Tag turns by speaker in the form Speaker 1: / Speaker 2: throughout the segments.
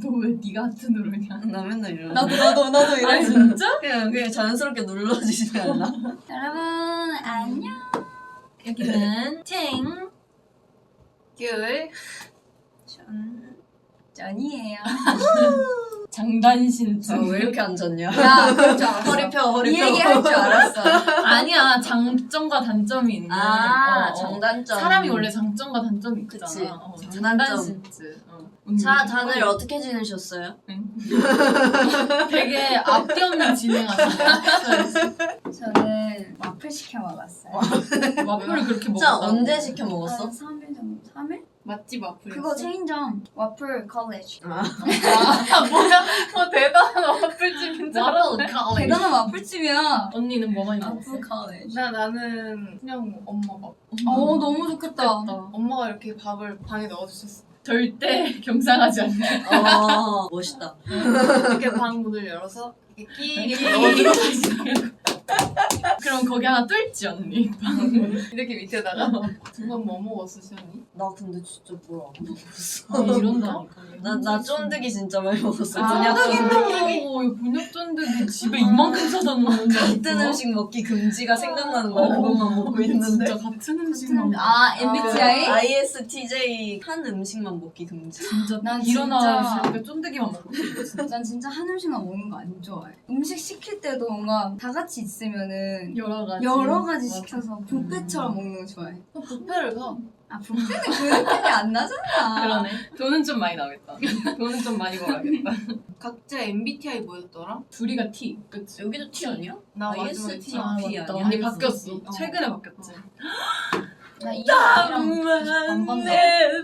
Speaker 1: 너 왜 네가 하트 누르냐?
Speaker 2: 나 맨날 이러는.
Speaker 3: 나도 이래.
Speaker 1: 아 진짜?
Speaker 2: 그냥 자연스럽게 눌러지지 않나?
Speaker 3: 여러분 안녕.
Speaker 1: 여기는 탱
Speaker 3: 귤 전이에요.
Speaker 1: 장단신주.
Speaker 2: 왜 이렇게 앉았냐?
Speaker 3: 야 그럴 줄 알았어.
Speaker 2: 허리 펴.
Speaker 3: 이 얘기 할 줄 알았어.
Speaker 1: 아니야, 장점과 단점이 있는.
Speaker 2: 장단점.
Speaker 1: 사람이 원래 장점과 단점이 있잖아.
Speaker 2: 그치.
Speaker 1: 장단신주.
Speaker 2: 자, 다들 어떻게 지내셨어요?
Speaker 1: 되게 앞뒤 없는 진행하시네.
Speaker 3: 저는 와플 시켜 먹었어요.
Speaker 1: 와플을 그렇게
Speaker 2: 진짜
Speaker 1: 먹었다고?
Speaker 2: 언제 시켜 먹었어?
Speaker 3: 한 3일 정도? 3일?
Speaker 1: 맛집 와플.
Speaker 3: 그거 체인점 와플 컬리지.
Speaker 1: 뭐야? 대단한 와플집인 줄 알았네.
Speaker 3: 대단한 와플집이야.
Speaker 1: 언니는 뭐 많이 먹었어?
Speaker 3: 와플 컬리지.
Speaker 4: 나는 그냥 엄마 밥.
Speaker 3: 너무 좋겠다.
Speaker 4: 엄마가 이렇게 밥을 방에 넣어주셨어.
Speaker 1: 절대 경상하지 않네.
Speaker 2: 멋있다.
Speaker 4: 이렇게 방 문을 열어서 이렇게 끼
Speaker 1: 그럼 거기 하나 뚫지 언니.
Speaker 4: 이렇게 밑에다가 두 번 뭐 먹었어 시연이?
Speaker 2: 나 근데 진짜 뭘 안 먹었어.
Speaker 1: 이런다니까.
Speaker 2: 나 쫀득이 진짜 많이 먹었어.
Speaker 1: 곤약 쫀득이 집에 이만큼 사다 놓는다.
Speaker 2: 같은 음식 먹기 금지가 생각나는 거야. 그것만 먹고 있는데.
Speaker 1: 진짜 같은 음식만.
Speaker 3: MBTI?
Speaker 2: ISTJ 한 음식만 먹기 금지.
Speaker 1: 진짜
Speaker 3: 난
Speaker 1: 일어나서 쫀득이만 먹고 있어.
Speaker 3: 난 진짜 한 음식만 먹는 거 안 좋아해. 음식 시킬 때도 뭔가 다 같이 있으면은
Speaker 1: 여러 가지.
Speaker 3: 맞아. 시켜서 뷔페처럼 먹는 거 좋아해.
Speaker 4: 뷔페를 가.
Speaker 3: 뷔페는 그 느낌이 안 나잖아.
Speaker 1: 그러네. 돈은 좀 많이 나겠다. 돈은 좀 많이 벌어야겠다.
Speaker 4: 각자 MBTI 뭐였더라?
Speaker 1: 둘이가 T. 그치?
Speaker 2: 여기도 T 아니야?
Speaker 4: 나 마지막에
Speaker 2: ISTJ.
Speaker 4: T.
Speaker 1: 맞다.
Speaker 2: 아니야?
Speaker 1: 언니 바뀌었어.
Speaker 4: ISTJ.
Speaker 1: 최근에 바뀌었지.
Speaker 3: 나 E랑 반반데.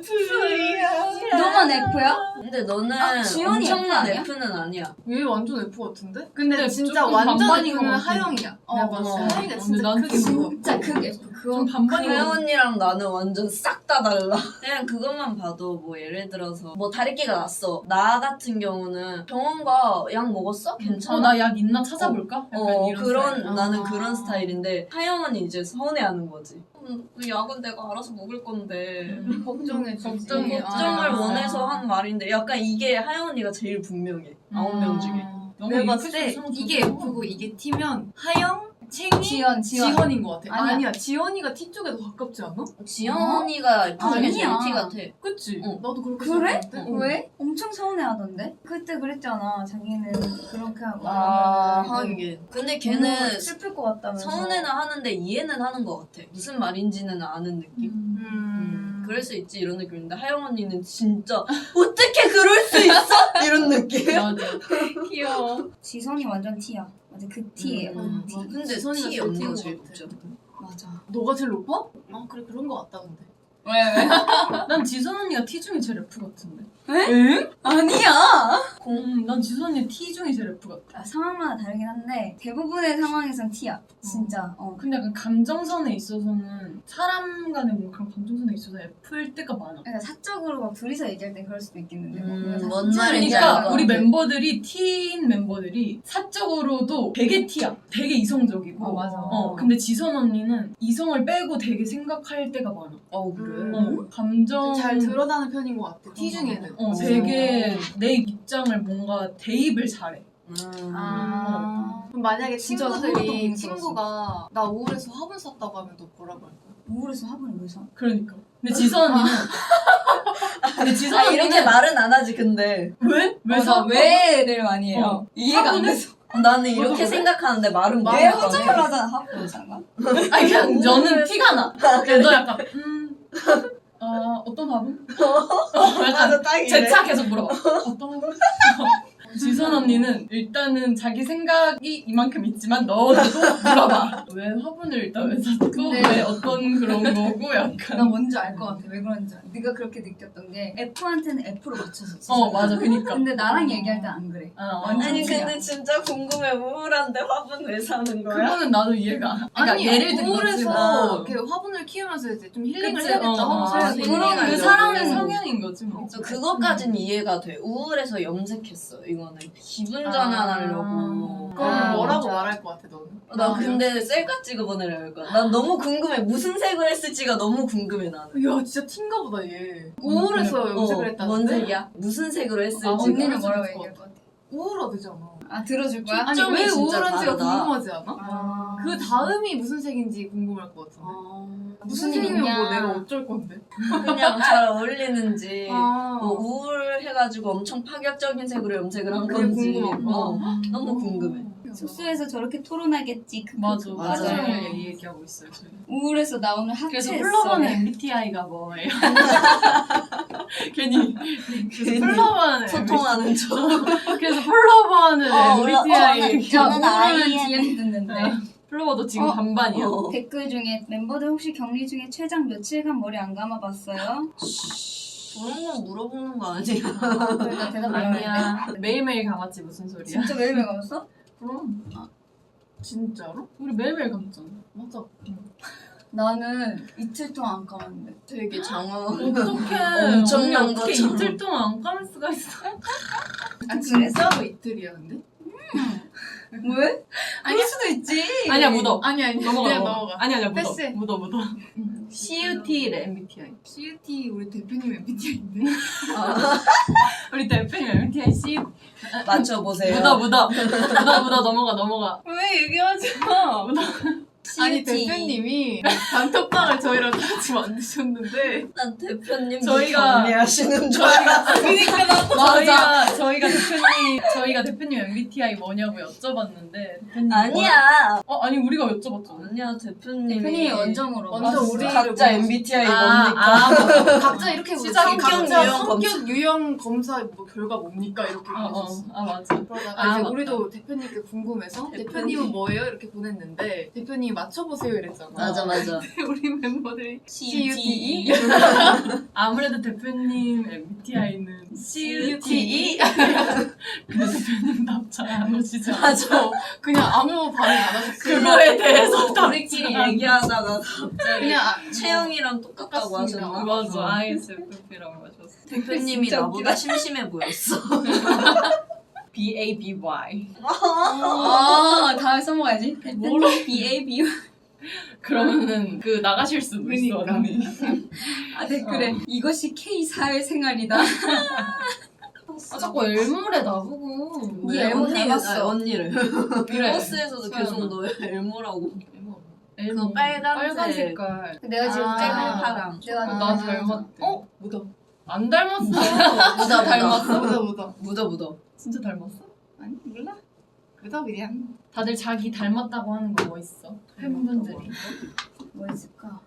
Speaker 3: 너만 F야?
Speaker 2: 근데 너는
Speaker 3: 지연이 F
Speaker 2: 엄청난
Speaker 3: 아니야?
Speaker 2: F는 아니야.
Speaker 4: 얘 완전 F 같은데?
Speaker 1: 근데
Speaker 4: 근데 진짜
Speaker 1: 조금
Speaker 4: 완전
Speaker 1: 반반인 것
Speaker 4: F는
Speaker 1: 같아.
Speaker 4: 하영이야. 내가 봤을 때 하영이가
Speaker 1: 근데
Speaker 4: 진짜
Speaker 1: 난
Speaker 4: 크게
Speaker 1: 좀
Speaker 4: 보여.
Speaker 3: 진짜 그 F 그거
Speaker 1: 좀 반반인 것
Speaker 2: 혜영
Speaker 1: 같아.
Speaker 2: 언니랑 나는 완전 싹 다 달라. 그냥 그것만 봐도 뭐 예를 들어서 뭐 다리끼가 났어. 나 같은 경우는 병원가 약 먹었어? 괜찮아?
Speaker 1: 나 약 있나 찾아볼까? 약간 이런
Speaker 2: 그런
Speaker 1: 스타일.
Speaker 2: 나는
Speaker 4: 아.
Speaker 2: 그런 스타일인데 하영은 이제 서운해하는 거지. 그 약은 내가 알아서 먹을 건데
Speaker 4: 걱정해
Speaker 1: 걱정해.
Speaker 2: 걱정을
Speaker 1: 아.
Speaker 2: 원해서 한 말인데 약간 이게 하영 언니가 제일 분명해. 9명 중에.
Speaker 1: 너무
Speaker 4: 내가 봤을 때
Speaker 1: 이쁘셔서
Speaker 4: 이게
Speaker 1: 좋다.
Speaker 4: F고 이게 T면 하영, 챙이,
Speaker 3: 지연.
Speaker 4: 지헌인 것 같아.
Speaker 3: 아니야.
Speaker 4: 아니야. 지연이가 T 쪽에 더 가깝지 않아?
Speaker 2: 지연 언니가 F 중에 제일
Speaker 3: 아니야.
Speaker 2: T 같아.
Speaker 4: 그치?
Speaker 2: 응.
Speaker 4: 나도 그렇게
Speaker 3: 그래?
Speaker 4: 생각하는데?
Speaker 3: 왜? 엄청 서운해하던데? 그때 그랬잖아. 자기는 그렇게 하고
Speaker 2: 하긴. 근데 걔는
Speaker 3: 슬플 것 같다면서.
Speaker 2: 서운해는 하는데 이해는 하는 것 같아. 무슨 말인지는 아는 느낌. 그럴 수 있지 이런 느낌인데 하영 언니는 진짜 어떻게 그럴 수 있어? 이런 느낌.
Speaker 1: 맞아. 귀여워.
Speaker 3: 지선이 완전 T야. 맞아 그 T예요.
Speaker 4: 음.
Speaker 3: T.
Speaker 2: 근데
Speaker 4: 지선이가
Speaker 2: T
Speaker 4: 제일
Speaker 2: 언니가
Speaker 4: T인
Speaker 2: 제일
Speaker 4: 것 같아.
Speaker 2: 높죠.
Speaker 3: 맞아.
Speaker 4: 너가 제일 높아? 아 그래 그런 거 같다 근데.
Speaker 3: 왜?
Speaker 1: 난 지선 언니가 T 중에 제일 F 같은데.
Speaker 3: 에? 아니야.
Speaker 1: 난 지선 언니 T 중에 제일 F 같아.
Speaker 3: 상황마다 다르긴 한데 대부분의 상황에선 T야. 진짜.
Speaker 1: 근데 약간 감정선에 있어서는 사람 간의 뭐 그런 감정선에 있어서 F일 때가 많아.
Speaker 3: 그러니까 사적으로 막 둘이서 얘기할 때 그럴 수도 있겠는데.
Speaker 2: 뭔 말인지 알
Speaker 1: 그러니까
Speaker 2: 것
Speaker 1: 우리
Speaker 2: 같아.
Speaker 1: 멤버들이 T인 멤버들이 사적으로도 되게 T야. 되게 이성적이고.
Speaker 3: 맞아.
Speaker 1: 근데 지선 언니는 이성을 빼고 되게 생각할 때가 많아.
Speaker 2: 그래?
Speaker 1: 감정
Speaker 4: 잘 드러나는 편인 것 같아. T 중에는.
Speaker 1: 되게 내 입장을 뭔가 대입을 잘해.
Speaker 4: 그럼 만약에
Speaker 3: 진짜 하나도 못
Speaker 4: 친구들이
Speaker 3: 들었어.
Speaker 4: 친구가 나 우울해서 화분 샀다고 하면 너 뭐라고 할 거야?
Speaker 3: 우울해서 화분을 왜 사?
Speaker 1: 그러니까. 근데 지선 언니는
Speaker 2: 이렇게 말은 안 하지 근데
Speaker 1: 왜? 왜 사?
Speaker 3: 왜를 많이 해요. 이해가 안 돼서.
Speaker 2: 나는 이렇게 생각하는데 말은 못
Speaker 3: 왜
Speaker 2: 할 거
Speaker 3: 허정을
Speaker 2: 같아.
Speaker 3: 하잖아. 화분 장난.
Speaker 1: 아니 그냥 저는 티가 나. 그래서 약간 어떤 화분? 약간
Speaker 2: 딱이네.
Speaker 1: 제 차 계속 물어봐. 어떤 화분? 지선 언니는 일단은 자기 생각이 이만큼 있지만 너도 물어봐. 왜 화분을 일단 왜 샀고
Speaker 3: 근데-
Speaker 1: 왜 어떤 그런 거고
Speaker 3: 나
Speaker 1: 약간.
Speaker 3: 뭔지 알 것 같아. 왜 그런지 알아. 네가 그렇게 느꼈던 게 F한테는 F로 맞춰서
Speaker 1: 맞아 그니까.
Speaker 3: 근데 나랑 얘기할 땐 안 그래. 완전
Speaker 2: 아니
Speaker 3: T야.
Speaker 2: 근데 진짜 궁금해. 우울한데 화분 왜 사는 거야?
Speaker 1: 그거는 나도 이해가 안. 그러니까
Speaker 4: 아니
Speaker 1: 예를 든 거지.
Speaker 4: 우울해서 이렇게 화분을 키우면서 이제 좀 힐링을
Speaker 1: 그치,
Speaker 4: 해야겠다 하고 사야지.
Speaker 2: 그런
Speaker 1: 그
Speaker 2: 이해가
Speaker 1: 사람의
Speaker 2: 되고.
Speaker 1: 성향인 거지 뭐.
Speaker 2: 그거까진 이해가 돼. 우울해서 염색했어 이거는. 이번에. 기분 전환하려고.
Speaker 4: 그럼
Speaker 3: 아,
Speaker 4: 뭐라고
Speaker 3: 맞아.
Speaker 4: 말할 것 같아 너는?
Speaker 2: 나 근데 셀카 찍어보내려 할 거야. 난 너무 궁금해. 무슨 색을 했을지가 너무 궁금해 나는.
Speaker 4: 야 진짜 티인가 보다 얘. 우울해서 염색을 했다는데?
Speaker 2: 뭔 색이야? 무슨 색으로 했을지.
Speaker 3: 언니는
Speaker 4: 그럴
Speaker 3: 뭐라고
Speaker 4: 수도
Speaker 3: 얘기할 것 같아?
Speaker 4: 우울하되잖아.
Speaker 3: 아 들어줄 거야?
Speaker 4: 아니
Speaker 2: 초점이
Speaker 4: 왜
Speaker 2: 진짜
Speaker 4: 우울한지가
Speaker 2: 다르다.
Speaker 4: 궁금하지 않아?
Speaker 3: 아.
Speaker 4: 그 다음이 무슨 색인지 궁금할 것 같은데. 무슨
Speaker 3: 무슨 일
Speaker 4: 색이면
Speaker 3: 있냐?
Speaker 4: 뭐 내가 어쩔 건데?
Speaker 2: 그냥 잘 어울리는지.
Speaker 4: 아.
Speaker 2: 뭐 우울해가지고 엄청 파격적인 색으로 염색을 한
Speaker 4: 그게
Speaker 2: 건지.
Speaker 4: 궁금하고.
Speaker 2: 너무 궁금해.
Speaker 3: 숙소에서 저렇게 토론하겠지.
Speaker 1: 맞아.
Speaker 2: 맞아.
Speaker 1: 하루 종일 이 얘기하고 있어요 저희.
Speaker 3: 우울해서 나 오늘
Speaker 1: 그래서
Speaker 3: 하체했어.
Speaker 1: 플러버는 MBTI가 뭐예요? 괜히 그래서 플러버는
Speaker 2: 소통하는 척.
Speaker 1: 그래서 플러버는
Speaker 2: 몰라.
Speaker 1: MBTI
Speaker 3: 저는
Speaker 1: 오늘은
Speaker 3: IN 듣는데.
Speaker 1: 플러버도 지금
Speaker 3: 어?
Speaker 1: 반반이야.
Speaker 2: 어.
Speaker 3: 댓글 중에 멤버들 혹시 격리 중에 최장 며칠간 머리 안 감아봤어요?
Speaker 2: 그런 거 물어보는 거 아니야?
Speaker 3: 나 대답 안 했는데.
Speaker 1: 아니야. 매일매일 감았지 무슨 소리야.
Speaker 3: 진짜 매일매일 감았어?
Speaker 1: 그럼
Speaker 4: 진짜로?
Speaker 1: 우리 매일매일 감잖아.
Speaker 4: 맞아.
Speaker 3: 나는 이틀 동안 안 감았는데.
Speaker 2: 되게 장황.
Speaker 1: 어떡해.
Speaker 2: 엄청난
Speaker 1: 언니 어떻게
Speaker 2: 것처럼.
Speaker 1: 이틀 동안 안 감을 수가 있어.
Speaker 4: 아 진짜로 이틀이야 근데?
Speaker 3: 왜? 아닐 수도 있지.
Speaker 1: 아니야 묻어.
Speaker 4: 아니
Speaker 1: 넘어가
Speaker 4: 그냥
Speaker 1: 넘어가.
Speaker 4: 넘어가.
Speaker 1: 아니야 묻어.
Speaker 4: 패스.
Speaker 1: 묻어. CUT래 MBTI.
Speaker 4: CUT 우리 대표님 MBTI인데?
Speaker 1: 우리 대표님 MBTI CUT.
Speaker 2: 맞춰보세요.
Speaker 1: 묻어 넘어가.
Speaker 3: 왜 얘기하지 마.
Speaker 4: 아니 대표님이 단톡방을 저희랑 같이 만드셨는데
Speaker 2: 난 대표님
Speaker 1: 저희가-
Speaker 2: 경례하시는 줄 알았어.
Speaker 1: 저희가 대표님 MBTI 뭐냐고 여쭤봤는데 대표님
Speaker 2: 아니야.
Speaker 1: 아니 우리가 여쭤봤잖아.
Speaker 2: 아니야 대표님이.
Speaker 3: 대표님이 원정으로.
Speaker 4: 먼저 우리
Speaker 2: 각자 MBTI 뭡니까?
Speaker 1: 맞아.
Speaker 4: 각자 이렇게
Speaker 1: 시작
Speaker 4: 물어보지.
Speaker 2: 성격
Speaker 4: 각자
Speaker 2: 유형
Speaker 4: 성격 유형 검사 뭐 결과 뭡니까 이렇게 보냈었어.
Speaker 1: 맞아.
Speaker 4: 그러다가
Speaker 1: 아,
Speaker 4: 이제
Speaker 1: 맞다.
Speaker 4: 우리도 대표님께 궁금해서
Speaker 2: 대표님.
Speaker 4: 대표님은 뭐예요? 이렇게 보냈는데 대표님이 맞춰보세요 이랬잖아.
Speaker 2: 맞아.
Speaker 4: 우리 멤버들이
Speaker 2: CUTE.
Speaker 1: 아무래도 대표님 MBTI는 CUTE. 근데 대표님 답 잘 안 오시죠?
Speaker 2: 맞아.
Speaker 4: 그냥 아무 반응 안 하셨어요.
Speaker 1: 그거에 대해서 답
Speaker 2: 우리끼리 얘기하다가 갑자기
Speaker 4: 그냥
Speaker 2: 채영이랑 똑같다고
Speaker 4: 똑같습니다.
Speaker 2: 하셨나?
Speaker 1: 맞아. ISFP라고 하셨어.
Speaker 2: 대표님이
Speaker 1: 진짜
Speaker 2: 나보다 심심해 보였어.
Speaker 1: BABY.
Speaker 3: 아 다음에 써먹어야지.
Speaker 1: 뭐로?
Speaker 3: BAB.
Speaker 1: 그러면은 그 나가실 수도 있어
Speaker 4: 그러니까.
Speaker 1: 언니.
Speaker 3: 아 댓글에 이것이 K 사회생활이다.
Speaker 1: 자꾸 엘모래 나보고.
Speaker 3: 네,
Speaker 2: 언니,
Speaker 3: 언니 닮았어.
Speaker 2: 언니를.
Speaker 1: 그래.
Speaker 2: 버스에서도
Speaker 1: 서연아.
Speaker 2: 계속 너 엘모라고.
Speaker 1: 엘모.
Speaker 2: 그 빨간색.
Speaker 1: 빨간 색깔.
Speaker 3: 내가 지금
Speaker 1: 아.
Speaker 3: 떼가
Speaker 2: 파랑.
Speaker 3: 내가
Speaker 1: 나 닮았대.
Speaker 4: 묻어.
Speaker 1: 안 닮았어.
Speaker 2: 묻어
Speaker 1: 닮았어.
Speaker 4: 묻어.
Speaker 2: 묻어.
Speaker 1: 진짜 닮았어?
Speaker 4: 아니 몰라. 묻어 그냥.
Speaker 1: 다들 자기 닮았다고 하는 거 뭐 있어? 팬분들이.
Speaker 3: 뭐 있을까?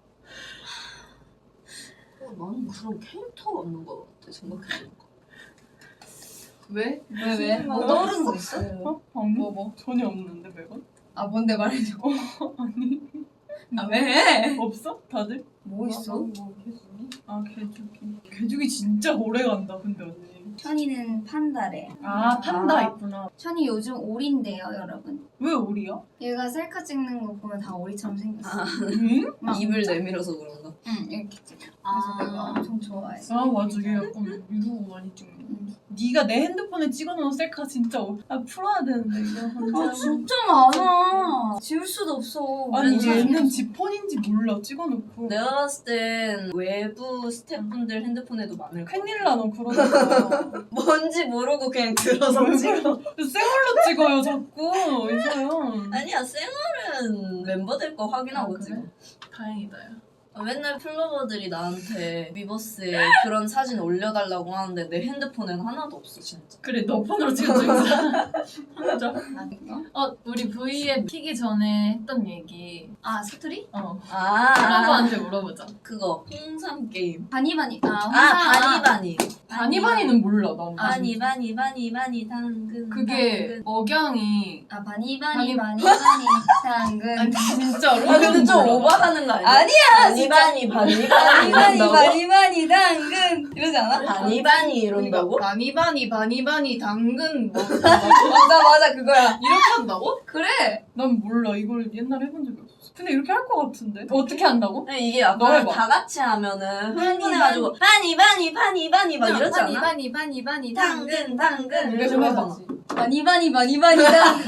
Speaker 2: 나는 그런 캐릭터가 없는 것 같아 생각해보니까.
Speaker 4: 왜?
Speaker 3: 왜? 뭐 떠오르는 거 있어?
Speaker 1: 뭐? 전혀 없는데 매번?
Speaker 3: 아 뭔데 말해줘.
Speaker 1: 아니
Speaker 3: 아 왜?
Speaker 1: 없어? 다들?
Speaker 3: 뭐 있어?
Speaker 1: 개죽이. 개죽이 진짜 오래 간다 근데 언니.
Speaker 3: 천이는 판다래.
Speaker 1: 아 판다 있구나.
Speaker 3: 천이 요즘 오리인데요, 여러분.
Speaker 1: 왜 오리야?
Speaker 3: 얘가 셀카 찍는 거 보면 다 오리처럼 생겼어.
Speaker 2: 아,
Speaker 1: 응?
Speaker 3: 막
Speaker 2: 입을 내밀어서 그런가?
Speaker 3: 응, 이렇게 찍어. 그래서
Speaker 1: 아.
Speaker 3: 내가 엄청 좋아해.
Speaker 1: 아 맞아 얘 약간 이러고 많이 찍는 거. 네가 내 핸드폰에 찍어놓은 셀카 진짜 풀어야 되는데 이거
Speaker 3: 아 진짜 많아. 지울 수도 없어.
Speaker 1: 아니
Speaker 2: 진짜
Speaker 1: 얘는 지 폰인지 몰라 찍어놓고.
Speaker 2: 내가 봤을 땐 외부 스태프분들 핸드폰에도 많을 거야.
Speaker 1: 큰일 나 너 그러니까.
Speaker 2: 뭔지 모르고 그냥 들어서 찍어.
Speaker 1: 생얼로 찍어요 자꾸 이서연.
Speaker 2: 아니야 쌩얼은 멤버들 거 확인하고
Speaker 1: 아, 그래?
Speaker 2: 찍어.
Speaker 1: 다행이다 야.
Speaker 2: 맨날 플로버들이 나한테 위버스에 그런 사진 올려달라고 하는데 내 핸드폰엔 하나도 없어 진짜.
Speaker 1: 그래 너 폰으로 찍은 적 있어. 진짜.
Speaker 3: 아, 이거?
Speaker 1: 우리 V앱 키기 전에 했던 얘기.
Speaker 3: 아 사투리?
Speaker 1: 플러버한테 물어보자.
Speaker 2: 그거 홍삼 게임.
Speaker 3: 바니바니.
Speaker 2: 바니바니.
Speaker 1: 바니바니는 몰라 난.
Speaker 2: 바니 당근.
Speaker 1: 그게 억양이.
Speaker 3: 아 바니바니
Speaker 1: 바니-
Speaker 3: 당근.
Speaker 4: 아니 진짜로?
Speaker 2: 아 근데 좀 오버하는 거 아니야?
Speaker 3: 아니야
Speaker 2: 바니바니
Speaker 3: 바니바니
Speaker 2: 이런다고?
Speaker 3: 바니바니 당근 이러지 않아?
Speaker 2: 바니바니 이런다고?
Speaker 4: 바니바니 당근 뭐
Speaker 3: 맞아 그거야.
Speaker 4: 이렇게 한다고?
Speaker 3: 그래.
Speaker 1: 난 몰라 이걸 옛날에 해본 적이 없어. 근데 이렇게 할 것 같은데? 어떻게 한다고?
Speaker 2: 근데 이게
Speaker 1: 너
Speaker 2: 약간
Speaker 1: 해봐.
Speaker 2: 다 같이 하면은 흥분해가지고 바니 막 이러지 않아?
Speaker 3: 바니
Speaker 2: 당근
Speaker 1: 이렇게
Speaker 2: 이러지
Speaker 1: 좀
Speaker 2: 않아?
Speaker 1: 해봐.
Speaker 3: 바니 당근.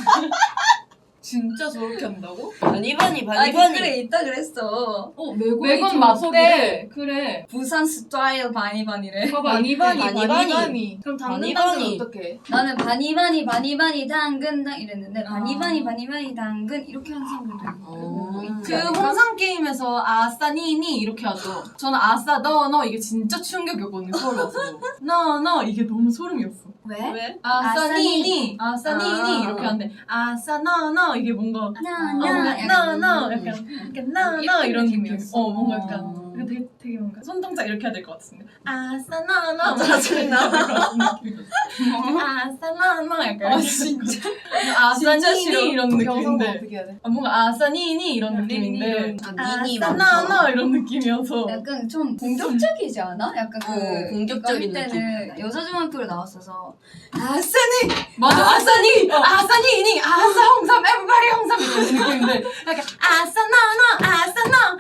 Speaker 1: 진짜 저렇게 한다고?
Speaker 2: 바니
Speaker 3: 아니 댓글에 있다 그랬어.
Speaker 1: 매건 맞대. 그래.
Speaker 3: 부산 스타일 바니바니래.
Speaker 4: 바니바니. 그럼 당근
Speaker 2: 바니바니.
Speaker 4: 어떻게?
Speaker 3: 나는 바니바니 당근 이랬는데 바니바니 당근 이렇게 하는 사람들도 있고.
Speaker 1: 그 홍상 게임에서 아싸 니니 이렇게 하죠. 저는 아싸 너 이게 진짜 충격이었거든요. 서울 와서. 너 이게 너무 소름이었어.
Speaker 3: 왜?
Speaker 2: 왜?
Speaker 1: 아싸 니니
Speaker 3: 아.
Speaker 1: 이렇게 하는데 아싸 너 이게 뭔가 너 약간 너 이런 느낌. 뭔가 약간 되게 뭔가 손동작 이렇게 해야 될 것 같은데 아싸 너
Speaker 2: 짜증나.
Speaker 1: 아싸 너 약간 진짜 아싸 니니 이런
Speaker 4: 영상도
Speaker 1: 느낌인데
Speaker 4: 어떻게 해야 돼?
Speaker 1: 뭔가 아싸 니니 이런 느낌인데
Speaker 2: 니니
Speaker 1: 아싸
Speaker 2: 많죠.
Speaker 1: 너 이런 느낌이어서
Speaker 3: 약간 좀 공격적이지 않아? 약간
Speaker 2: 공격적인
Speaker 3: 이거 할 때는 여자 중학교로 나왔어서
Speaker 1: 맞아 아싸 니니 아싸 홍삼 에브리바디 홍삼 이런 느낌인데 약간 아싸 너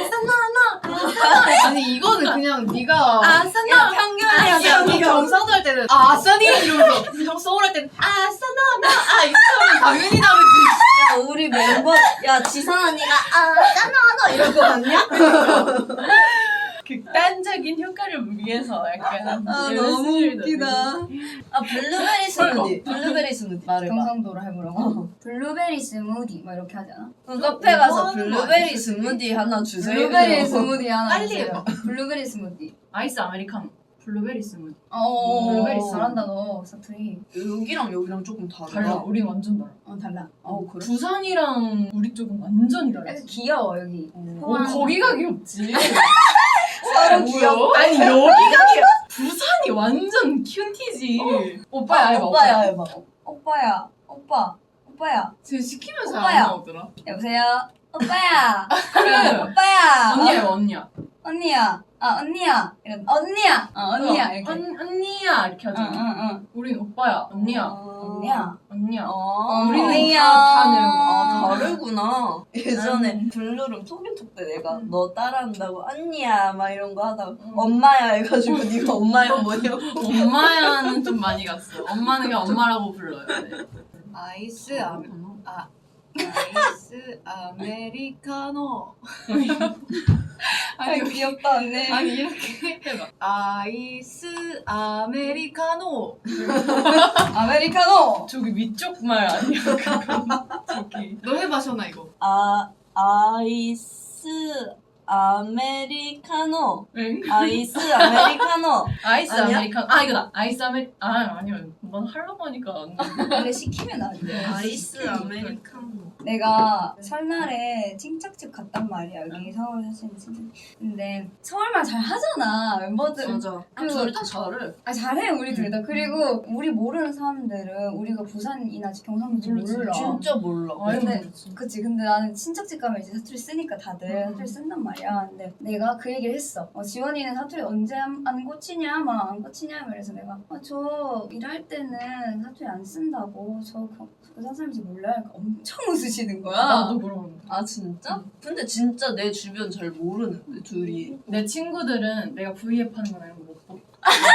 Speaker 4: 아니 이거는 그냥 네가
Speaker 1: 아싸 너
Speaker 3: 야 편견이야
Speaker 4: 이 경상도 할 때는 아싸니 이러면서 형 서울 할 때는
Speaker 1: 아싸
Speaker 4: 이렇게 하면 당연히 다르지.
Speaker 2: 야 우리 멤버 야 지선 언니가 짠나 이럴 거 같냐?
Speaker 1: 극단적인 효과를 위해서 약간
Speaker 3: 너무 웃기다.
Speaker 2: 블루베리 스무디 말해봐.
Speaker 3: 경상도로 해보라고. 블루베리 스무디 막 이렇게 하지 않아?
Speaker 2: 그럼 카페 가서
Speaker 4: 뭐 하는 거
Speaker 2: 블루베리
Speaker 4: 아니지?
Speaker 2: 스무디 하나 주세요.
Speaker 3: 블루베리 스무디 하나
Speaker 4: 빨리
Speaker 3: 주세요.
Speaker 4: 해봐.
Speaker 3: 블루베리 스무디.
Speaker 1: 아이스 아메리카노 블루베리 스무디
Speaker 3: 블루베리 잘한다 너 사투리.
Speaker 2: 여기랑 조금
Speaker 1: 달라
Speaker 2: 다르다.
Speaker 1: 우린 완전 달라
Speaker 3: 달라.
Speaker 2: 그래?
Speaker 1: 부산이랑 우리 쪽은 완전히 달라
Speaker 3: 약간 귀여워 여기.
Speaker 1: 거기가 귀엽지
Speaker 3: 서로
Speaker 1: 귀여워? 아니 여기가 귀여워 부산이 완전 큐티지 오빠야 해봐
Speaker 2: 오빠야 해봐.
Speaker 3: 오빠야.
Speaker 4: 쟤 시키면 잘
Speaker 3: 오빠야.
Speaker 4: 안 나오더라.
Speaker 3: 여보세요. 오빠야.
Speaker 1: 그래
Speaker 3: 오빠야.
Speaker 1: 언니야
Speaker 3: 언니야. 언니야. 이런 언니야. 언니야 이렇게.
Speaker 1: 언니야 이렇게 하잖아
Speaker 3: 응.
Speaker 1: 우린 오빠야 언니야
Speaker 3: 언니야.
Speaker 1: 우리는
Speaker 3: 언니야.
Speaker 1: 다 내려가
Speaker 2: 다르구나. 예전에 블루룸 토끼톡 때 내가 너 따라한다고 언니야 막 이런 거 하다가 엄마야 해가지고 네가 엄마야 뭐냐고.
Speaker 1: 엄마야는 좀 많이 갔어 엄마는 그냥 엄마라고 불러요 네.
Speaker 4: 아이스 아메리카노. 아니
Speaker 3: 귀엽다 언니.
Speaker 4: 아니 이렇게
Speaker 1: 해봐
Speaker 4: 아이스 아메리카노.
Speaker 3: 아메리카노.
Speaker 1: 저기 위쪽 말 아니야 그거 저기
Speaker 4: 너 해봐 셔나 이거.
Speaker 2: 아이스 아메리카노.
Speaker 1: 응?
Speaker 2: 아이스 아메리카노.
Speaker 1: 아이스
Speaker 2: 아니야?
Speaker 1: 아메리카노 이거다 아이스 아니요 넌 하려고 하니까 안 돼.
Speaker 3: 근데 시키면 안 돼.
Speaker 2: 아이스 아메리카노.
Speaker 3: 내가 설날에 칭짝집 갔단 말이야. 여기 서울 사시는 친구. 근데 서울말 잘 하잖아 멤버들.
Speaker 2: 맞아.
Speaker 3: 둘
Speaker 2: 다 잘해.
Speaker 3: 잘해 우리 둘 다. 그리고 우리 모르는 사람들은 우리가 부산이나 경상도인지 몰라.
Speaker 2: 진짜 몰라.
Speaker 3: 근데 그치. 근데 나는 친척집 가면 이제 사투리 쓰니까 다들 사투리 쓴단 말이야. 근데 내가 그 얘기를 했어. 지원이는 사투리 언제 안 고치냐? 막 안 고치냐? 그래서 내가 저 일할 때는 사투리 안 쓴다고. 저 부산 사람인지 몰라요. 그러니까 엄청 웃으시는 거야.
Speaker 1: 나도 그러는데
Speaker 2: 아 진짜? 근데 진짜 내 주변 잘 모르는데 둘이.
Speaker 1: 내 친구들은 내가 V앱 하는 거나 이런 거 못 보고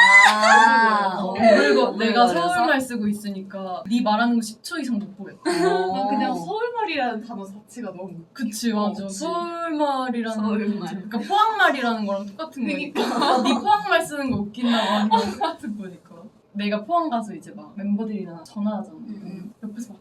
Speaker 2: 그리고
Speaker 1: 내가 서울말 쓰고 있으니까 네 말하는 거 10초 이상 못 보겠다
Speaker 4: 난 그냥 서울말이라는 단어 자체가 너무
Speaker 1: 그치 맞아
Speaker 2: 그치.
Speaker 1: 서울말이라는
Speaker 2: 서울말.
Speaker 1: 거지. 그러니까 포항말이라는 거랑 똑같은 거니까 네 포항말 쓰는 거 웃긴다고 하는 거랑 똑같은 거니까 내가 포항 가서 이제 막 멤버들이랑 전화하잖아 옆에서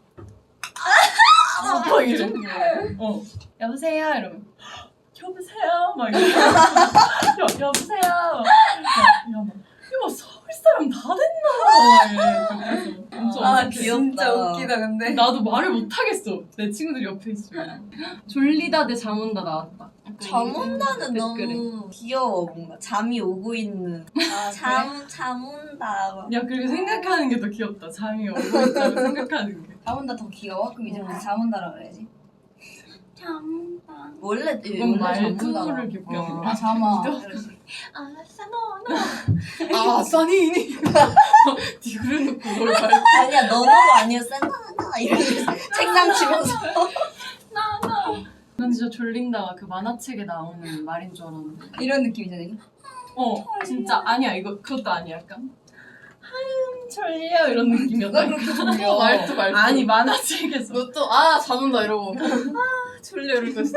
Speaker 1: 막 이래 여보세요 이러면 여보세요 막 이래 여보세요 막 이거 서울 사람 다 됐나 막 이래 엄청
Speaker 2: 아,
Speaker 1: 어색해.
Speaker 2: 귀엽다.
Speaker 3: 진짜 웃기다 근데.
Speaker 1: 나도 말을 못 하겠어 내 친구들이 옆에 있으면 졸리다 대 잠 온다 나왔다
Speaker 2: 잠 온다는
Speaker 1: 댓글에.
Speaker 2: 너무 귀여워. 뭔가 잠이 오고 있는. 잠 온다. 막.
Speaker 1: 야 그리고 생각하는 게 더 귀엽다 잠이 오고 있다고 생각하는 게
Speaker 3: 잠 온다 더 귀여워? 그럼 이제 잠 온다라 그래야지. 잠 온다.
Speaker 2: 원래
Speaker 1: 이건
Speaker 2: 원래
Speaker 1: 말투를 귀엽게 하는 거야
Speaker 3: 잠아.
Speaker 1: 아 써니니 네가 그래놓고 그걸 말
Speaker 2: 아니야 너무 아니었어. 나 이러면서 책상 치면서.
Speaker 1: 난 진짜 졸린다가 그 만화책에 나오는 말인 줄 알았는데.
Speaker 3: 이런 느낌이잖아. 이게.
Speaker 1: 진짜 아니야. 이거 그것도 아니야. 약간 졸려 이런 느낌이었다.
Speaker 3: 누가 그렇게 졸려?
Speaker 4: 말투.
Speaker 1: 아니 만화책에서
Speaker 4: 너 또 잠온다 이러고 졸려 이럴 거 있어.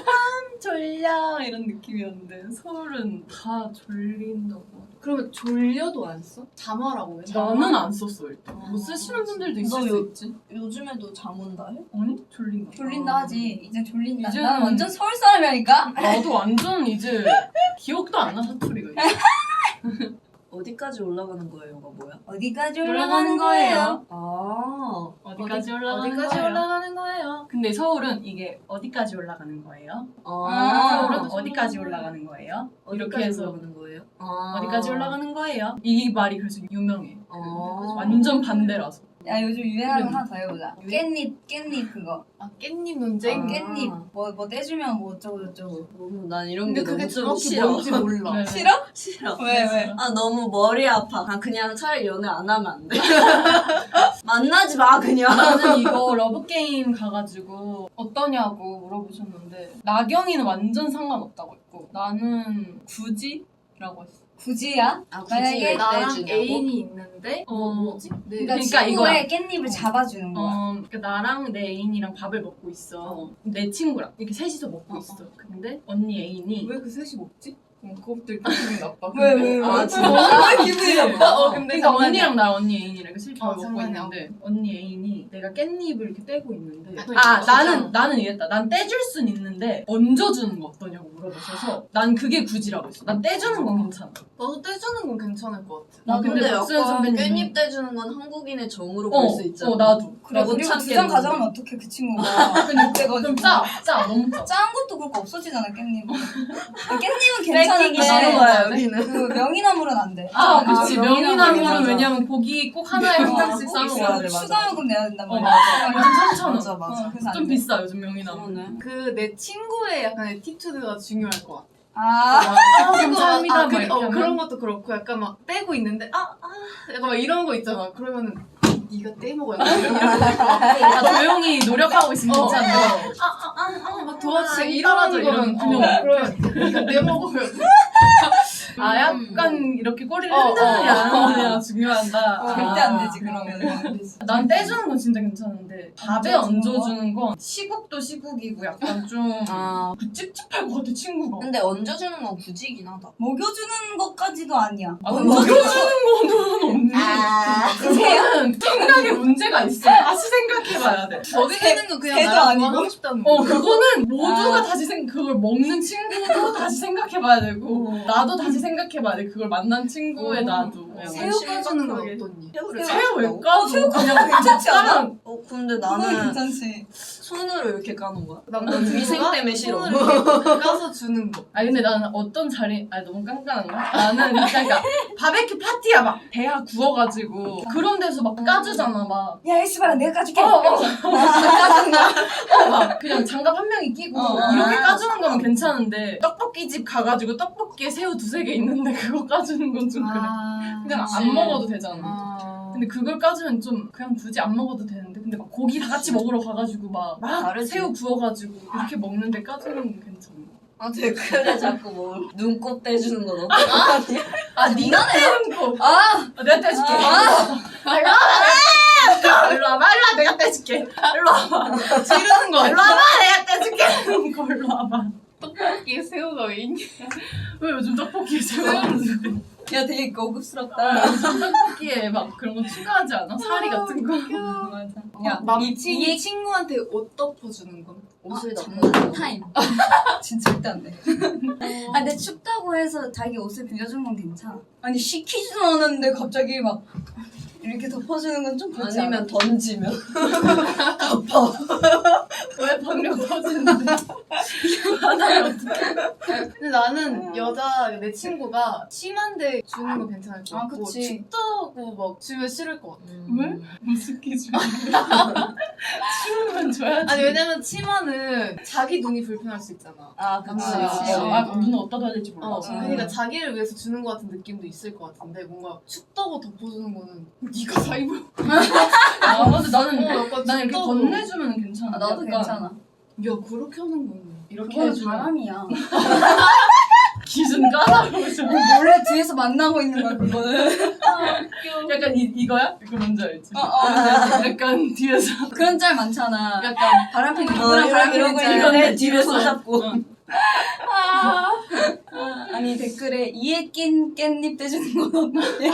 Speaker 1: 졸려 이런 느낌이었는데 서울은 다 졸린다고.
Speaker 4: 그러면 졸려도 안 써? 잠하라고 해?
Speaker 1: 나는 안 썼어 일단. 뭐 쓰시는 분들도 있을
Speaker 2: 너
Speaker 1: 수
Speaker 2: 요-
Speaker 1: 있지.
Speaker 2: 요즘에도 잠 온다 해?
Speaker 1: 아니 졸린다.
Speaker 3: 졸린다 하지. 이제 졸린다.
Speaker 1: 이제는-
Speaker 3: 난 완전 서울 사람이라니까.
Speaker 1: 나도 완전 이제 기억도 안 나 사투리가. 이제.
Speaker 2: 어디까지 올라가는 거예요가 뭐야?
Speaker 3: 어디까지
Speaker 1: 올라가는
Speaker 3: 올라가는
Speaker 1: 거예요?
Speaker 3: 거예요?
Speaker 2: 아
Speaker 1: 어디까지 올라가는
Speaker 4: 어디까지
Speaker 1: 거예요?
Speaker 4: 올라가는 거예요?
Speaker 1: 근데 서울은 이게 어디까지 올라가는 거예요?
Speaker 3: 아,
Speaker 1: 서울은 어디까지 올라가는 거예요? 이렇게
Speaker 2: 어디까지
Speaker 1: 해서
Speaker 2: 올라가는 거예요? 아.
Speaker 1: 어디까지 올라가는 거예요? 이 말이 그래서 유명해.
Speaker 2: 아.
Speaker 1: 완전 반대라서.
Speaker 3: 야 요즘 유행하는 거 하나 더 해보자. 깻잎 그거.
Speaker 4: 깻잎 논쟁?
Speaker 2: 아.
Speaker 3: 깻잎 뭐 떼주면 뭐 어쩌고 저쩌고.
Speaker 2: 너무 난 이런
Speaker 4: 근데
Speaker 2: 게
Speaker 4: 그게
Speaker 2: 너무 좀
Speaker 4: 정확히
Speaker 2: 싫어.
Speaker 4: 뭔지 몰라.
Speaker 1: 네.
Speaker 3: 싫어?
Speaker 2: 싫어.
Speaker 3: 왜?
Speaker 2: 아 너무 머리 아파. 그냥 차라리 연애 안 하면 안 돼. 만나지 마 그냥.
Speaker 1: 나는 이거 러브게임 가가지고 어떠냐고 물어보셨는데 나경이는 완전 상관없다고 했고 나는 굳이? 라고 했어.
Speaker 3: 굳이야?
Speaker 2: 아
Speaker 3: 만약에
Speaker 4: 나랑
Speaker 2: 떼주냐고?
Speaker 4: 애인이 있는데 뭐지? 네.
Speaker 3: 그러니까,
Speaker 1: 그러니까
Speaker 3: 친구의 깻잎을 잡아주는 거야.
Speaker 1: 그러니까 나랑 내 애인이랑 밥을 먹고 있어. 내 친구랑 이렇게 셋이서 먹고 있어. 근데 언니 애인이
Speaker 4: 왜 그 셋이 먹지? 그것도 이렇게 기분이 나빠.
Speaker 3: 왜?
Speaker 2: 아 진짜?
Speaker 3: 기분이 나빠.
Speaker 4: 근데
Speaker 1: 그러니까 언니랑 나 언니 애인이랑 이렇게 셋이 밥을 먹고
Speaker 4: 상관이
Speaker 1: 있는데 언니 애인이 내가 깻잎을 이렇게 떼고 있는데
Speaker 4: 아,
Speaker 1: 나는 이랬다. 난 떼줄 순 있는데 얹어주는 거 어떠냐고 물어보셔서 난 그게 굳이라고 했어. 난 떼주는 건 괜찮아.
Speaker 4: 나도 떼주는 건 괜찮을 것 같아.
Speaker 2: 나 근데
Speaker 1: 박수현
Speaker 2: 약간
Speaker 1: 선배님은-
Speaker 2: 깻잎 떼주는 건 한국인의 정으로 볼 수 있잖아.
Speaker 1: 나도.
Speaker 3: 그래
Speaker 2: 못
Speaker 3: 그리고
Speaker 2: 참겠는데.
Speaker 3: 2장 가져가면 어떡해 그 친구가. 근데
Speaker 1: 그럼 짜 너무 짜.
Speaker 3: 짠 것도 그렇고 없어지잖아 깻잎은. 깻잎은
Speaker 2: 뺏기기 싫은
Speaker 3: 괜찮은데
Speaker 2: 거야 여기는.
Speaker 3: 그 명이나물은 안 돼.
Speaker 1: 그치. 명이나물은
Speaker 2: 맞아.
Speaker 1: 왜냐면 고기 꼭 하나에 한 장씩 싸
Speaker 2: 꼭
Speaker 1: 먹어야
Speaker 2: 있어야
Speaker 1: 돼.
Speaker 2: 돼. 맞아.
Speaker 3: 추가 요금 내야 된단 말이야.
Speaker 1: 완전 3,000원.
Speaker 2: 맞아 맞아.
Speaker 3: 그래서 안
Speaker 1: 좀
Speaker 3: 돼.
Speaker 1: 비싸 요즘 명이나물.
Speaker 2: 그러네.
Speaker 4: 그 내 친구의 약간 에티튜드가 중요할 것 같아.
Speaker 3: 아,
Speaker 1: 감사합니다. 막
Speaker 4: 그런
Speaker 1: 이렇게 하면.
Speaker 4: 것도 그렇고 약간 막 떼고 있는데 약간 막 이런 거 있잖아. 그러면은 네가 떼먹어야 돼.
Speaker 1: 조용히 노력하고 있으면 괜찮은데.
Speaker 4: 막 도와주세요.
Speaker 1: 따라줘,
Speaker 4: 이러는 거는
Speaker 1: 이러면
Speaker 4: 그러면 네가 떼먹어야 돼.
Speaker 1: 약간 이렇게 꼬리를 흔드느냐 안 흔드느냐가 중요하다.
Speaker 3: 절대 안 되지 그러면.
Speaker 1: 난 떼주는 건 진짜 괜찮은데 밥에
Speaker 3: 얹어주는
Speaker 1: 얹어주는 건 시국도 시국이고 약간 좀
Speaker 2: 아
Speaker 1: 찝찝할 것 같아 친구가.
Speaker 2: 근데 얹어주는 건 굳이긴 하다.
Speaker 3: 먹여주는 것까지도 아니야.
Speaker 1: 먹여주는 거는 없네. 그거는 생각에 문제가 있어. 다시 생각해봐야 돼.
Speaker 4: 먹이는 건 그냥
Speaker 3: 새도
Speaker 4: 나랑
Speaker 3: 아니고?
Speaker 4: 그만하고 싶다는 거.
Speaker 1: 그거는 모두가 다시 그걸 먹는 친구도 다시 생각해봐야 되고 나도 다시 생각해봐야 돼. 그걸 만난 친구의 나도.
Speaker 4: 새우 까주는 건 어떠니?
Speaker 2: 새우를
Speaker 1: 새우 왜
Speaker 2: 까준다고?
Speaker 1: 까줘? 그냥
Speaker 3: 괜찮지 않아?
Speaker 2: 근데
Speaker 3: 그건
Speaker 2: 나는
Speaker 3: 괜찮지.
Speaker 2: 손으로 이렇게 까는 거야.
Speaker 4: 난
Speaker 2: 위생 때문에 싫어.
Speaker 4: 손으로 이렇게 까서 주는 거.
Speaker 1: 근데 나는 어떤 자리 너무 깐깐한가? 나는 그러니까 바베큐 파티야 막 대하 구워가지고 그런 데서 막 까주잖아 막.
Speaker 3: 야 에스바라 내가 까줄게.
Speaker 1: 막 그냥 장갑 한 명이 끼고 이렇게 까주는 거면 괜찮은데 떡볶이집 가가지고 떡볶이에 새우 2-3개 있는데 그거 까주는 건 좀 그래. 그냥
Speaker 4: 그치.
Speaker 1: 안 먹어도 되잖아. 근데 그걸 까주면 좀 그냥 굳이 안 먹어도 되는데 근데 막 고기 다 같이 먹으러 가가지고 막
Speaker 2: 다르지.
Speaker 1: 새우 구워가지고 이렇게 먹는데 까주는 건 괜찮아.
Speaker 2: 아 댓글에 자꾸 뭐 눈곱 떼주는 건 어떡하냐?
Speaker 1: 네가 떼는 거.
Speaker 3: 아,
Speaker 1: 내가 떼줄게. 일로 와봐. 내가 떼줄게. 일로 와봐.
Speaker 4: 지르는 거
Speaker 1: 일로
Speaker 4: 아니야?
Speaker 1: 와봐. 내가 떼줄게. 일로 와봐.
Speaker 4: 떡볶이에 새우가 왜 있냐?
Speaker 1: 왜 요즘 떡볶이에 새우가 없는데?
Speaker 3: 야 되게 고급스럽다.
Speaker 1: 떡볶이에 막 그런 거 추가하지 않아? 사리 같은 거.
Speaker 3: 맞아.
Speaker 4: 야, 남친이 친구한테 옷 덮어주는 건?
Speaker 2: 옷을
Speaker 3: 장난
Speaker 2: 덮어.
Speaker 3: 타임. 진짜 절대 안 돼. 아 근데 춥다고 해서 자기 옷을 빌려주는 건 괜찮아. 아니 시키지도 않았는데 갑자기 막 이렇게 덮어주는 건 좀 그렇지 않아?
Speaker 2: 아니면 던지면.
Speaker 1: 왜 방력 터지는데? 하나를 어떻게?
Speaker 4: 근데 나는 여자 내 친구가 심한데 주는 건 괜찮을 것
Speaker 3: 아,
Speaker 4: 같고
Speaker 3: 그치.
Speaker 4: 춥다고 막 주면 싫을 것 같아.
Speaker 1: 왜? 무슨 기준? 추우면 줘야지.
Speaker 4: 아니 왜냐면 치마는 자기 눈이 불편할 수 있잖아.
Speaker 3: 아
Speaker 4: 그치.
Speaker 1: 눈을 어디다 둬야 될지 몰라.
Speaker 4: 그러니까 자기를 위해서 주는 것 같은 느낌도 있을 것 같은데 뭔가 춥다고 덮어주는 거는 네가 다 입어.
Speaker 1: 근데 나는
Speaker 4: 약간
Speaker 1: 난 이렇게
Speaker 4: 춥다고.
Speaker 1: 건네주면 괜찮아.
Speaker 3: 아, 나도
Speaker 1: 약간
Speaker 3: 괜찮아.
Speaker 4: 야 그렇게 하는 거는
Speaker 1: 이렇게
Speaker 3: 그건
Speaker 1: 해주면
Speaker 3: 바람이야.
Speaker 1: 기준 까다로우셔.
Speaker 3: 원래 뒤에서 만나고 있는 거야 그거는.
Speaker 1: 약간 이거야? 이거 뭔지 알지? 약간 뒤에서
Speaker 3: 그런 짤 많잖아.
Speaker 1: 약간
Speaker 3: 바람핀 누구랑 바람핀
Speaker 2: 이러고
Speaker 3: 짤.
Speaker 2: 있는데 뒤를 손잡고.
Speaker 3: 아니 댓글에 이에 낀 깻잎 떼주는 건 어때?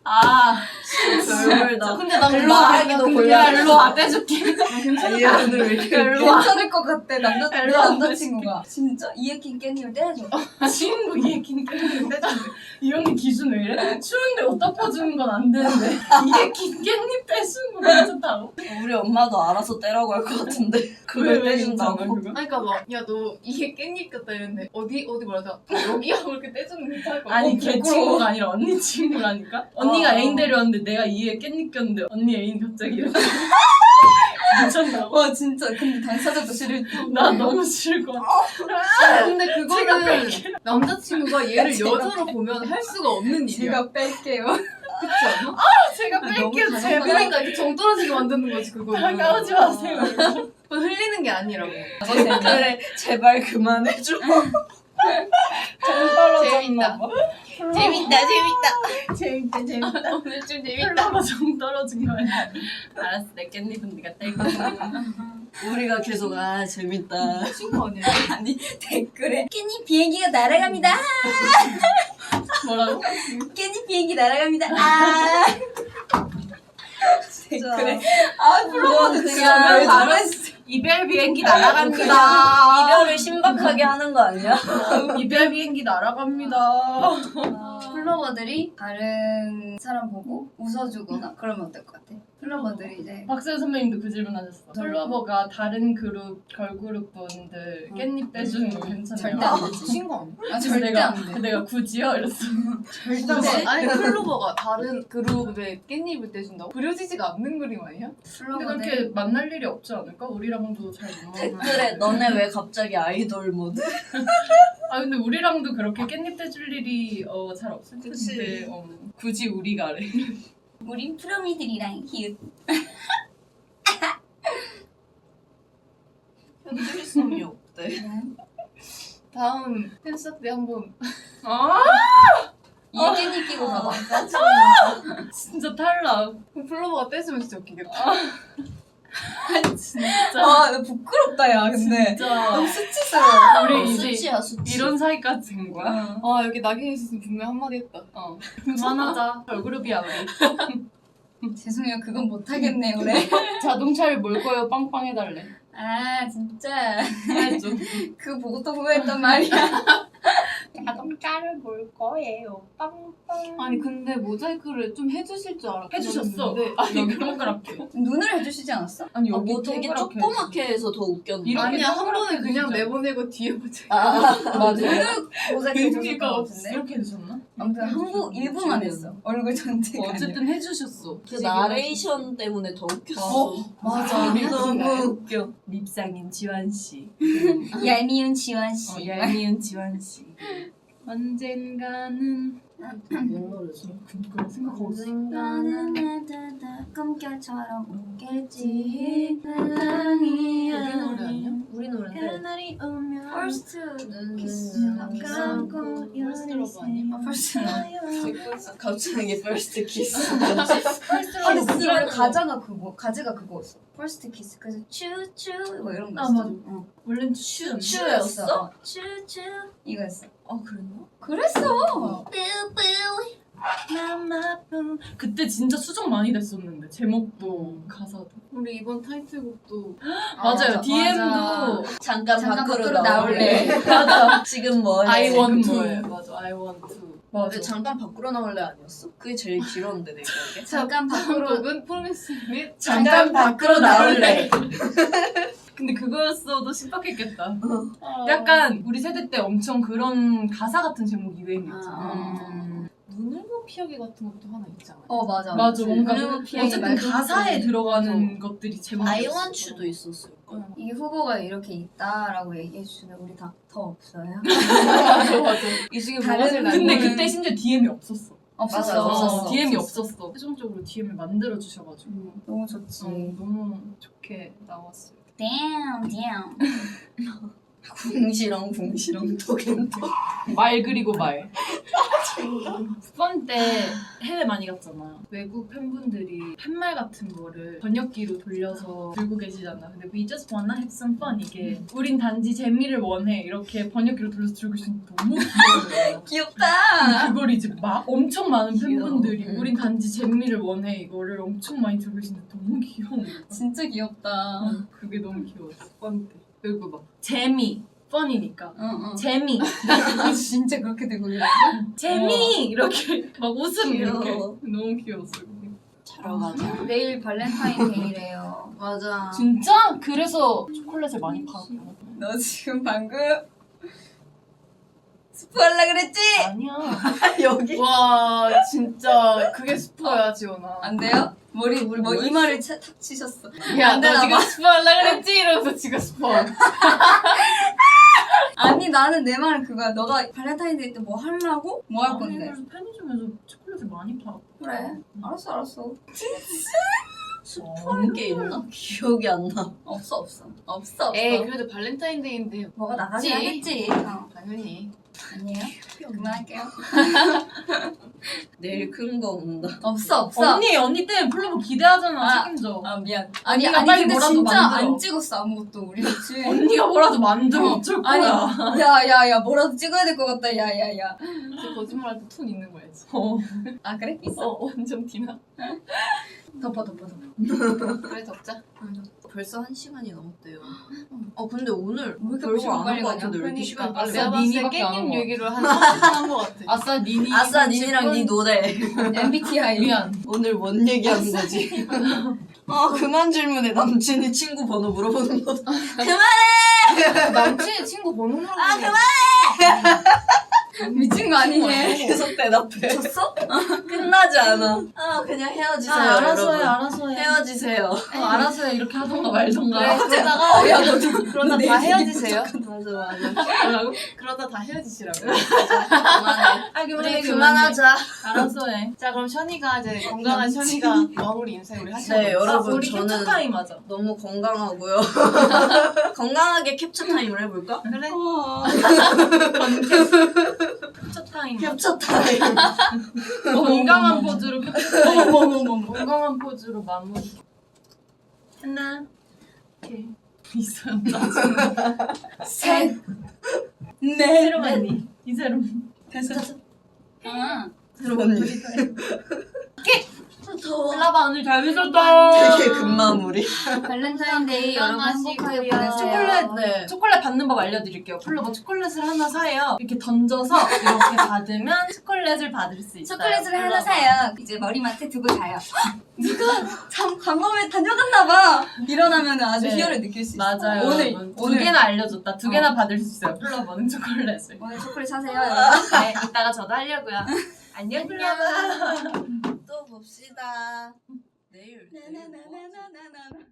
Speaker 2: 별다.
Speaker 4: 근데 난
Speaker 2: 일로 말하기도 곤란해.
Speaker 1: 일로 와 떼줄게.
Speaker 2: 얘 오늘 왜 이렇게
Speaker 3: 괜찮을 것 같아. 내
Speaker 1: 일로 와.
Speaker 3: 남자친구가 진짜 이에 낀 깻잎을 떼줘.
Speaker 1: 친구 얘긴 깻잎 떼주는데 이 언니 기준 왜 이래? 추운데 옷 덮어주는 건 안 되는데 이게 긴 깻잎 떼주는 거 괜찮다고?
Speaker 2: 우리 엄마도 알아서 떼라고 할 것 같은데 그걸 떼준다고.
Speaker 1: 그거?
Speaker 4: 아니 그니까 막 야 너 이게 깻잎 같다 이랬는데 어디 말하자 여기 하고 이렇게 떼주는 거 괜찮을 것 같아.
Speaker 1: 아니 걔 친구가 아니라 언니 친구라니까? 언니가 애인 데려왔는데 내가 이에 깻잎 꼈는데 언니 애인 갑자기 이렇게 미쳤나고?
Speaker 3: 와 진짜 근데 당사자도 싫을 때.
Speaker 1: 나 너무 싫을 것 같아.
Speaker 4: 근데 그거는 남자친구가 얘를 여자로 보면 할 수가 없는 일이야.
Speaker 3: 제가 뺄게요.
Speaker 4: 그렇지 않아?
Speaker 1: 제가 뺄게요
Speaker 3: 너무
Speaker 1: 제발.
Speaker 4: 그러니까 이렇게 정 떨어지게 만드는 거지 그거는.
Speaker 1: 다가오지 마세요.
Speaker 4: 그건 흘리는 게 아니라고.
Speaker 2: 댓글에 제발 그만해줘.
Speaker 4: 재밌다.
Speaker 1: 재밌다.
Speaker 4: 오늘 좀
Speaker 1: 홀라가 정 떨어진 거 아니야? 알았어 내 깻잎은 네가 떼고.
Speaker 2: 우리가 계속 재밌다.
Speaker 4: 친구 아니야?
Speaker 3: 아니 댓글에 깻잎 비행기가 날아갑니다.
Speaker 1: 뭐라고?
Speaker 3: 깻잎 비행기 날아갑니다. 댓글에 플로버도
Speaker 2: 그냥
Speaker 3: 바로 했어.
Speaker 1: 이별 비행기
Speaker 2: 그냥
Speaker 1: 날아갑니다.
Speaker 2: 이별을 신박하게 하는 거 아니야?
Speaker 1: 이별 비행기 날아갑니다.
Speaker 3: 플로버들이 다른 사람 보고 웃어주거나 그러면 어떨 것 같아? 플로버들이 이제
Speaker 1: 박세현 선배님도 그 질문 하셨어. 플로버가 다른 그룹 걸그룹 분들 깻잎 떼주는 거 괜찮아요?
Speaker 3: 절대 안 되지.
Speaker 4: 친구 아니야?
Speaker 3: 절대
Speaker 1: 내가,
Speaker 3: 안 돼.
Speaker 1: 내가 굳이요? 이랬어.
Speaker 3: 절대
Speaker 4: 아니 클로버가 다른 그룹에 깻잎을 떼준다고? 그려지지가 않는 그림 아니야?
Speaker 1: 근데
Speaker 3: 플로버들
Speaker 1: 그렇게 만날 일이 없지 않을까? 우리랑도 잘 못 만나.
Speaker 2: 댓글에 너네 왜 갑자기 아이돌 모드?
Speaker 1: 아 근데 우리랑도 그렇게 깻잎 떼줄 일이 잘 없을
Speaker 2: 그치.
Speaker 1: 텐데 굳이 우리가래.
Speaker 3: 우린 프로미들이랑 히읗
Speaker 2: 현실성이 없대.
Speaker 4: 다음 팬사 때 한번
Speaker 1: 아
Speaker 3: 이 깻잎 끼고 가봐.
Speaker 1: 진짜 탈락.
Speaker 4: 그럼 플로버가 떼주면 진짜 웃기겠다.
Speaker 1: 진짜.
Speaker 3: 나 부끄럽다 야 근데
Speaker 1: 진짜.
Speaker 3: 너무 수치스러워.
Speaker 1: 우리 이제
Speaker 2: 수치야 수치.
Speaker 1: 이런 사이까지 된 거야?
Speaker 4: 아 여기 낙인이 있었으면 분명 한마디 했다.
Speaker 1: 그만하자. 걸그룹이야 우리.
Speaker 3: 죄송해요 그건 못하겠네 올해.
Speaker 1: 자동차를 몰 거예요. 빵빵 해달래.
Speaker 3: 아 진짜
Speaker 1: 해줘.
Speaker 3: 그거 보고 또 후회했단 말이야.
Speaker 1: 자동차를 몰 거예요. 빵빵.
Speaker 4: 아니 근데 모자이크를 좀 해주실 줄 알았는데
Speaker 1: 해주셨어.
Speaker 4: 아니
Speaker 1: 여기 동그랗게.
Speaker 3: 눈을 해주시지 않았어?
Speaker 1: 아니 여기
Speaker 2: 뭐 되게
Speaker 1: 동그랗게
Speaker 2: 조그맣게 해서 더 웃겼는데.
Speaker 1: 이렇게
Speaker 4: 아니야 한
Speaker 1: 동그랗게
Speaker 4: 번에 그냥
Speaker 1: 해주시죠.
Speaker 4: 내보내고 뒤에 모자이크.
Speaker 1: 맞아.
Speaker 3: 눈을 모자이크 해줬을
Speaker 1: 의미가
Speaker 3: 것
Speaker 1: 없.
Speaker 3: 같은데.
Speaker 1: 이렇게 해주셨나?
Speaker 3: 아무튼 한국 일부만 했어. 얼굴 전체가 아니라.
Speaker 1: 어쨌든 해주셨어.
Speaker 2: 그 나레이션 때문에 더 웃겼어.
Speaker 3: 맞아.
Speaker 2: 우리 너무 웃겨.
Speaker 1: 밉상인 지환 씨.
Speaker 3: 얄미운 지원 씨.
Speaker 1: 얄미운 지환 씨. 언젠가는
Speaker 2: 뭔 노래지?
Speaker 1: 그런 생각하고 있어.
Speaker 3: 나는 나다다 꿈결처럼 오겠지. 사랑이
Speaker 4: 우리 노래 아니야?
Speaker 2: 우리 노래인데.
Speaker 3: 그날이 오면 First kiss
Speaker 4: First love 아니야?
Speaker 3: First
Speaker 2: 갑자기 first kiss.
Speaker 3: 아니 근데 원래 가제가 그거였어. First kiss. 그래서 츄츄 뭐 이런 거
Speaker 1: 아,
Speaker 3: 있어.
Speaker 1: 맞아.
Speaker 3: 응.
Speaker 1: 원래는 추.
Speaker 2: 추였어?
Speaker 3: 츄츄 이거였어.
Speaker 2: 그랬나?
Speaker 3: 그랬어.
Speaker 1: 그때 진짜 수정 많이 됐었는데 제목도 가사도.
Speaker 4: 우리 이번 타이틀곡도
Speaker 1: 맞아요.
Speaker 3: 맞아.
Speaker 1: DM도
Speaker 2: 잠깐 밖으로
Speaker 3: 밖으로
Speaker 2: 나올래.
Speaker 3: 나올래.
Speaker 2: 맞아. 지금 뭐해?
Speaker 1: I want to.
Speaker 4: 뭐예요?
Speaker 1: 맞아. I want to.
Speaker 2: 근데
Speaker 1: 맞아.
Speaker 2: 잠깐 밖으로 나올래 아니었어? 그게 제일 길었는데 내 기억에.
Speaker 3: 잠깐
Speaker 4: 다음
Speaker 3: 밖으로
Speaker 4: 곡은 프로미스 및
Speaker 2: 잠깐 밖으로 나올래.
Speaker 1: 근데 그거였어도 신박했겠다.
Speaker 4: 아.
Speaker 1: 약간 우리 세대 때 엄청 그런 가사 같은 제목이 유행이었잖아.
Speaker 3: 아.
Speaker 4: 눈을모 피하기 같은 것도 하나 있잖아.
Speaker 3: 맞아.
Speaker 1: 맞아. 뭔가
Speaker 3: 눈을 피하기
Speaker 1: 어쨌든
Speaker 3: 말고
Speaker 1: 가사에
Speaker 3: 그게.
Speaker 1: 들어가는 것들이 제목이었어.
Speaker 2: I want you도 있었을 거야.
Speaker 3: 이게 후보가 이렇게 있다라고 얘기해 주시면 우리 다 더 없어요?
Speaker 1: 맞아.
Speaker 4: 이 중에
Speaker 3: 다른
Speaker 4: 뭐가 제일
Speaker 1: 근데
Speaker 3: 음.
Speaker 1: 그때 심지어 DM이 없었어.
Speaker 3: 없었어.
Speaker 2: 맞아,
Speaker 3: 없었어.
Speaker 1: DM이 없었어. 최종적으로 DM을 만들어 주셔가지고
Speaker 3: 너무 좋지.
Speaker 1: 너무 좋게 나왔어요.
Speaker 3: damn.
Speaker 2: 궁시렁 톡앤톡.
Speaker 1: 말 그리고 말. 펀 때 해외 많이 갔잖아요. 외국 팬분들이 팻말 같은 거를 번역기로 돌려서 들고 계시잖아. 근데 we just wanna have some fun 이게 우린 단지 재미를 원해 이렇게 번역기로 돌려서 들고 계시는데 너무 귀여워요.
Speaker 3: 귀엽다.
Speaker 1: 그걸 이제 막 엄청 많은 팬분들이
Speaker 2: 귀여워.
Speaker 1: 우린 단지 재미를 원해 이거를 엄청 많이 들고 계시는데 너무 귀여워.
Speaker 3: 진짜 귀엽다.
Speaker 1: 그게 너무 귀여웠어. 펀 때. 그리고 막 재미, 펀이니까
Speaker 3: 응.
Speaker 1: 재미,
Speaker 3: 진짜 그렇게 되고 있어.
Speaker 1: 재미 이렇게 막 웃음
Speaker 2: 귀여워.
Speaker 1: 이렇게 너무 귀여웠어. 그게.
Speaker 2: 자러 가자.
Speaker 3: 내일 발렌타인데이래요.
Speaker 2: 맞아.
Speaker 1: 진짜? 그래서 초콜릿을 많이 팔았구나.
Speaker 3: 너 지금 방금 스포하려 그랬지?
Speaker 1: 아니야.
Speaker 2: 여기.
Speaker 4: 와 진짜 그게 스포야 지원아.
Speaker 3: 안 돼요? 머리 우리 뭐 이마를 탁 치셨어.
Speaker 4: 야,
Speaker 3: 안
Speaker 4: 너
Speaker 3: 되나
Speaker 4: 지금
Speaker 3: 봐.
Speaker 4: 스포하려 그랬지? 이러면서 지금 스포.
Speaker 3: 아니 나는 내 말은 그거야. 너가 발렌타인데이 때 뭐 하려고? 뭐 할
Speaker 1: 아니,
Speaker 3: 건데?
Speaker 1: 그래서 편의점에서 초콜릿을 많이 팔았고.
Speaker 3: 그래. 알았어.
Speaker 2: 스포할 게 있나? 기억이 안 나.
Speaker 3: 없어.
Speaker 4: 에이 그래도 발렌타인데이인데
Speaker 3: 뭐가 나가긴 하겠지.
Speaker 4: 당연히.
Speaker 3: 아니에요? 그만할게요.
Speaker 2: 내일 큰 거 온다.
Speaker 3: 없어.
Speaker 1: 언니 때문에 플로버 기대하잖아.
Speaker 3: 아.
Speaker 1: 책임져.
Speaker 3: 아 미안.
Speaker 1: 언니가 빨리
Speaker 3: 근데
Speaker 1: 뭐라도
Speaker 3: 진짜
Speaker 1: 만들어.
Speaker 3: 안 찍었어 아무것도 우리 그치?
Speaker 1: 언니가 뭐라도 만들어
Speaker 3: 어.
Speaker 1: 어쩔
Speaker 3: 아니
Speaker 1: 거야.
Speaker 3: 야야야 뭐라도 찍어야 될 것 같다. 야야야.
Speaker 4: 진짜 거짓말할 때 톤 있는 거야지.
Speaker 3: 아 그래? 있어?
Speaker 4: 완전 티나.
Speaker 3: 덮어.
Speaker 4: 그래 덮자.
Speaker 2: 벌써 1시간이 넘었대요. 근데 오늘
Speaker 3: 왜 이렇게
Speaker 2: 별거
Speaker 3: 시간
Speaker 2: 안
Speaker 3: 빨리
Speaker 2: 한 거
Speaker 3: 가냐?
Speaker 2: 같은데 왜 이렇게 시간 빨리
Speaker 4: 내가
Speaker 2: 가?
Speaker 4: 봤을 때
Speaker 1: 니니밖에 안
Speaker 4: 깻잎
Speaker 1: 한 거
Speaker 4: 얘기를 한 30분 한거 같아.
Speaker 1: 아싸 니니.
Speaker 2: 아싸 니니랑 니 노래.
Speaker 3: MBTI.
Speaker 1: 미안.
Speaker 2: 오늘 뭔 얘기하는 거지? 그만 질문해. 남친이 친구 번호 물어보는 거.
Speaker 4: 남친의 친구 번호를
Speaker 3: 미친 거 아니니?
Speaker 2: 계속 대답해.
Speaker 3: 졌어?
Speaker 2: 끝나지 않아. 그냥 헤어지세요.
Speaker 1: 알아서 해
Speaker 2: 여러분.
Speaker 1: 알아서 해.
Speaker 2: 헤어지세요.
Speaker 1: 알아서 해 이렇게 하던가 말던가.
Speaker 4: 그래 그러다가 그러다 다 헤어지세요.
Speaker 2: 맞아.
Speaker 1: 뭐라고?
Speaker 4: 그러다 다 헤어지시라고.
Speaker 2: 그만해.
Speaker 1: 아
Speaker 2: 우리 그만하자.
Speaker 1: 알아서 해.
Speaker 4: 자 그럼 션이가 이제 건강한 션이가 마무리 인사 우리 하시죠.
Speaker 2: 네, 여러분
Speaker 1: 우리
Speaker 2: 저는
Speaker 1: 캡처 타임 하자.
Speaker 2: 너무 건강하고요. 건강하게 캡처 타임을 해볼까?
Speaker 4: 그래.
Speaker 1: 캡처 타임.
Speaker 2: 캡처 타임.
Speaker 1: 건강한 포즈로 건강한 포즈로 마무리. 하나, 이렇게 있어요.
Speaker 3: 셋.
Speaker 1: 새로 언니. 이 새로. 됐어.
Speaker 2: 새로운 언니. 더워.
Speaker 1: 플라바 오늘 잘 미쳤다.
Speaker 2: 되게 금마무리.
Speaker 3: 발렌타인데이 여러분 행복하게 보내세요.
Speaker 1: 초콜릿,
Speaker 2: 네.
Speaker 1: 초콜릿 받는 법 알려드릴게요. 플로버 초콜릿을 하나 사요. 이렇게 던져서 이렇게 받으면 초콜릿을 받을 수 있어요.
Speaker 3: 초콜릿을 하나
Speaker 1: 플로버.
Speaker 3: 사요. 이제 머리맡에 두고 자요. 누가 참 광범위에 다녀갔나봐. 일어나면 아주
Speaker 1: 네.
Speaker 3: 희열을 느낄 수 있어.
Speaker 1: 맞아요.
Speaker 3: 오늘
Speaker 1: 여러분. 두 개나 알려줬다. 두 개나 받을 수 있어요. 플로버는 초콜릿을.
Speaker 3: 오늘 초콜릿 사세요, 여러분.
Speaker 1: 네, 이따가 저도 하려고요. 안녕, 플로버.
Speaker 2: 또 봅시다. 내일.
Speaker 3: 나나나나나나나.